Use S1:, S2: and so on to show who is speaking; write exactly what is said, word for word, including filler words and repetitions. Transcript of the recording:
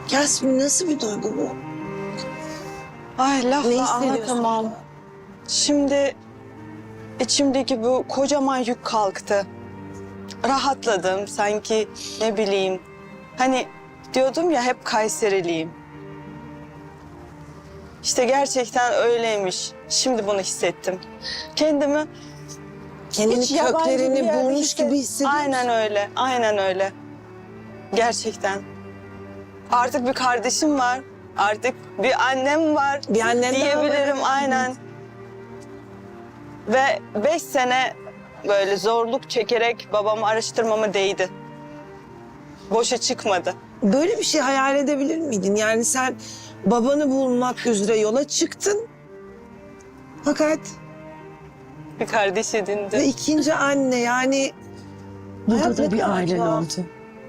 S1: Yasmin nasıl bir duygu bu?
S2: Ay
S1: Ne
S2: lafla
S1: hissediyorsun?
S2: anlatamam. Şimdi içimdeki bu kocaman yük kalktı. Rahatladım sanki, ne bileyim. Hani diyordum ya, hep Kayseriliyim. İşte gerçekten öyleymiş. Şimdi bunu hissettim. Kendimi
S1: Kendini
S2: hiç yabancı bir
S1: köklerini
S2: yerde
S1: bulmuş
S2: hisset-
S1: gibi hissediyorsun.
S2: Aynen öyle, aynen öyle. Gerçekten. Artık bir kardeşim var. Artık bir annem var.
S1: Bir annen daha var,
S2: diyebilirim,
S1: evet.
S2: aynen. Ve beş sene böyle zorluk çekerek babamı araştırmama değdi. Boşa çıkmadı.
S1: Böyle bir şey hayal edebilir miydin? Yani sen babanı bulmak üzere yola çıktın. Fakat
S2: Bir kardeş
S1: ve
S2: edindi.
S1: ikinci anne yani...
S3: Burada
S1: hayat
S3: da
S1: ne
S3: bir
S1: kadar
S3: ailen
S1: tuhaf.
S3: oldu.